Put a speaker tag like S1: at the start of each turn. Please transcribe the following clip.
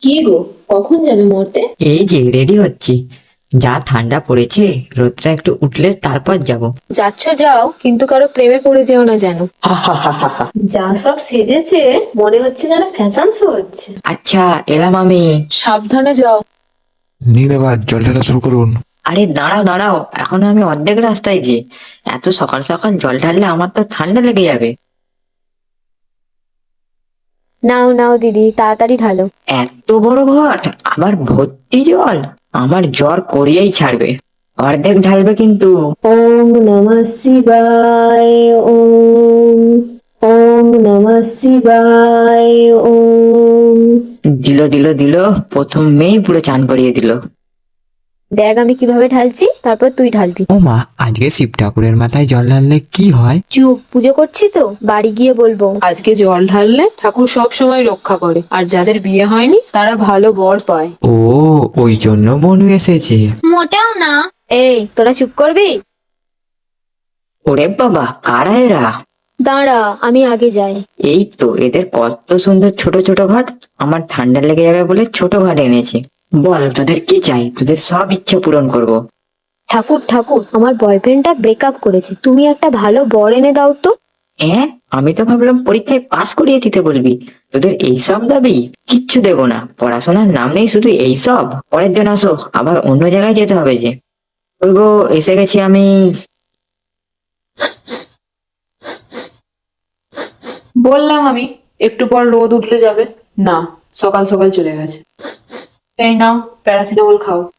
S1: কি গো, কখন যাবে মরতে?
S2: এই যে রেডি হচ্ছি। যা ঠান্ডা পড়েছে, রোদটা একটু উঠলে তারপর যাব।
S1: যাচ্ছ যাও, কিন্তু কারো প্রেমে পড়ে যেও না যেন। যা সব সেজেছে, মনে হচ্ছে যেন ফ্যাশন শো হচ্ছে।
S2: আচ্ছা, এলাম আমি।
S1: সাবধানে যাও।
S3: নিন এবার জল ঢালা শুরু করুন।
S2: আরে দাঁড়াও দাঁড়াও, এখনো আমি অর্ধেক রাস্তায় যে। এত সকাল সকাল জল ঢাললে আমার তো ঠান্ডা লেগে যাবে।
S1: নাও নাও দিদি, তাড়াতাড়ি ঢালো।
S2: এত বড় ঘট, আবার ভর্তি জল। আমার জ্বর করিয়েই ছাড়বে। অর্ধেক ঢালবে কিন্তু।
S1: ওম নমঃ শিবায়। ওম ওম নমঃ শিবায়। ওম।
S2: দিল দিল দিল, প্রথম মেয়েই পুরো চান করিয়ে দিল।
S1: দেখ আমি কিভাবে ঢালছি, তারপর তুই ঢালবি।
S3: ও মা, আজকে শিব ঠাকুরের মাথায় জল ঢাললে কি হয়?
S1: চুপ, পুজো করছি তো, বাড়ি গিয়ে বলবো।
S4: আজকে জল ঢাললে ঠাকুর সব সময় রক্ষা করে, আর যাদের বিয়ে হয়নি তারা ভালো বর পায়।
S3: ও, ওই জন্য বনু এসেছে।
S1: মোটেও না। এই তোরা চুপ করবি?
S2: ওরে বাবা, কারা এরা?
S1: দাঁড়া, আমি আগে যাই।
S2: এই তো, এদের কত সুন্দর ছোট ছোট ঘাট। আমার ঠান্ডা লেগে যাবে বলে ছোট ঘাট এনেছি। বল, তোদের কি চাই? তোদের সব ইচ্ছা পূরণ করব।
S1: ঠাকুর ঠাকুর, আমার বয়ফ্রেন্ডটা ব্রেকআপ করেছে, তুমি একটা ভালো বর এনে দাও তো।
S2: হ্যাঁ, আমি তো ভাবলাম পরীক্ষায় পাস করিয়ে দিতে বলবি। তোদের এইসব দাবি? কিচ্ছু দেবো না, পড়াশোনার নাম নেই, শুধু এইসব। পরের দিন আসো, আবার অন্য জায়গায় যেতে হবে যে। ওই গো, এসে গেছি আমি।
S4: বললাম আমি, একটু পর রোদ উঠলে যাবে। না, সকাল সকাল চলে গেছে। এই নাও, প্যারাসিটামল খাও।